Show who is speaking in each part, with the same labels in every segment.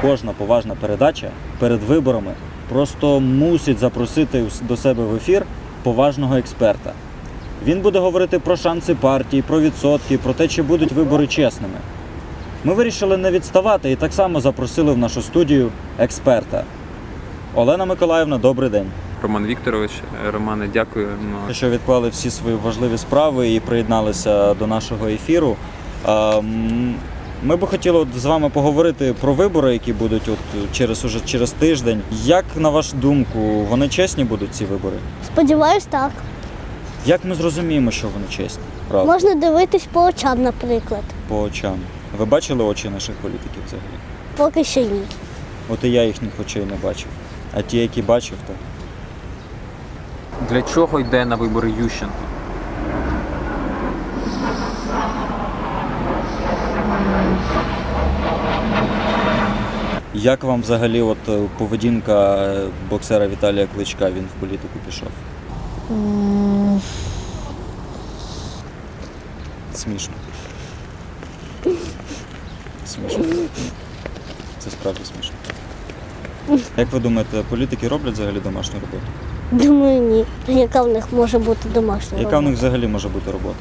Speaker 1: кожна поважна передача перед виборами просто мусить запросити до себе в ефір поважного експерта. Він буде говорити про шанси партії, про відсотки, про те, чи будуть вибори чесними. Ми вирішили не відставати і так само запросили в нашу студію експерта. Олена Миколаївна, добрий день.
Speaker 2: Роман Вікторович, Романе, дякую.
Speaker 1: Що відклали всі свої важливі справи і приєдналися до нашого ефіру. Ми би хотіли з вами поговорити про вибори, які будуть уже через тиждень. Як, на вашу думку, вони чесні будуть, ці вибори?
Speaker 3: Сподіваюсь, так.
Speaker 1: Як ми зрозуміємо, що вони чесні? Правда?
Speaker 3: Можна дивитись по очам, наприклад.
Speaker 1: По очам. Ви бачили очі наших політиків взагалі?
Speaker 3: Поки що ні.
Speaker 1: От і я їхніх очей не бачив. А ті, які бачив, то...
Speaker 2: Для чого йде на вибори Ющенко?
Speaker 1: Як вам взагалі поведінка боксера Віталія Кличка? Він в політику пішов. Смішно. Смішно. Це справді смішно. Як ви думаєте, політики роблять взагалі домашню роботу?
Speaker 3: Думаю, ні. Яка в них може бути домашня
Speaker 1: Яка в них взагалі може бути робота?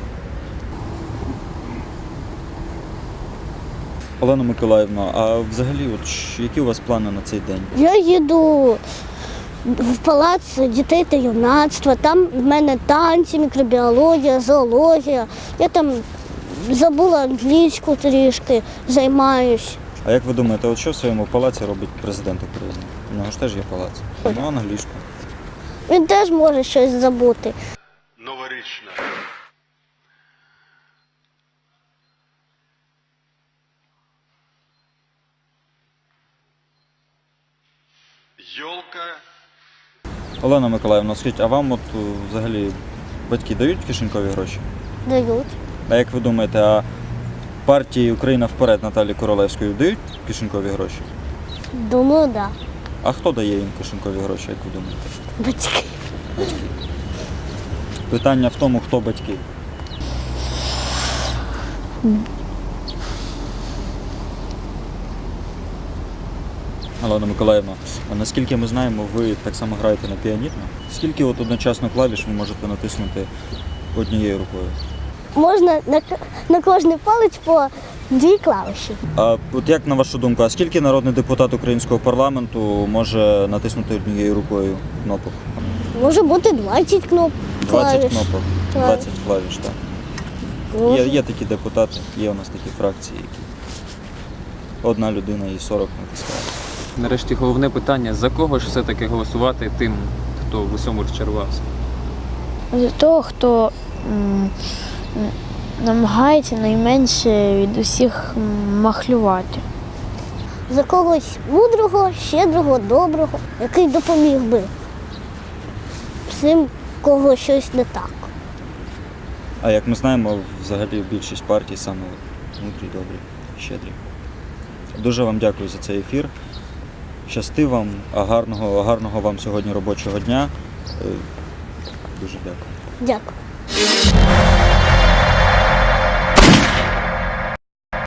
Speaker 1: Олена Миколаївна, а взагалі, які у вас плани на цей день?
Speaker 3: Я їду в палац дітей та юнацтва. Там в мене танці, мікробіологія, зоологія. Я там забула англійську трішки, займаюсь.
Speaker 1: А як ви думаєте, що в своєму палаці робить президент України? У нього ж теж є палац. Ну, англійську.
Speaker 3: Він теж може щось забути.
Speaker 4: Новорічна. Йолка.
Speaker 1: Олена Миколаївна, скажіть, а вам взагалі батьки дають кишенькові гроші?
Speaker 3: Дають.
Speaker 1: А як ви думаєте, а партії «Україна вперед» Наталі Королевської дають кишенькові гроші?
Speaker 3: Думаю, так. Да.
Speaker 1: А хто дає їм кишенькові гроші, як ви думаєте?
Speaker 3: Батьки.
Speaker 1: Питання в тому, хто батьки. Олена Миколаївна, а наскільки ми знаємо, ви так само граєте на піаніно. Скільки одночасно клавіш ви можете натиснути однією рукою?
Speaker 3: Можна на кожний палець по 2 клавіші.
Speaker 1: А як на вашу думку, а скільки народний депутат українського парламенту може натиснути однією рукою кнопок?
Speaker 3: Може бути 20 кнопок.
Speaker 1: 20
Speaker 3: клавіш.
Speaker 1: кнопок, 20 клавіш, так.
Speaker 3: Може.
Speaker 1: Є такі депутати, є у нас такі фракції, які одна людина і 40 натискає.
Speaker 2: Нарешті головне питання, за кого ж все-таки голосувати тим, хто в усьому розчарувався?
Speaker 5: За того, хто намагається найменше від усіх махлювати.
Speaker 3: За когось мудрого, щедрого, доброго, який допоміг би всім, кого щось не так.
Speaker 1: А як ми знаємо, взагалі більшість партій саме мудрі, добрі, щедрі. Дуже вам дякую за цей ефір. Щасти вам, гарного вам сьогодні робочого дня. Дуже дякую.
Speaker 3: Дякую.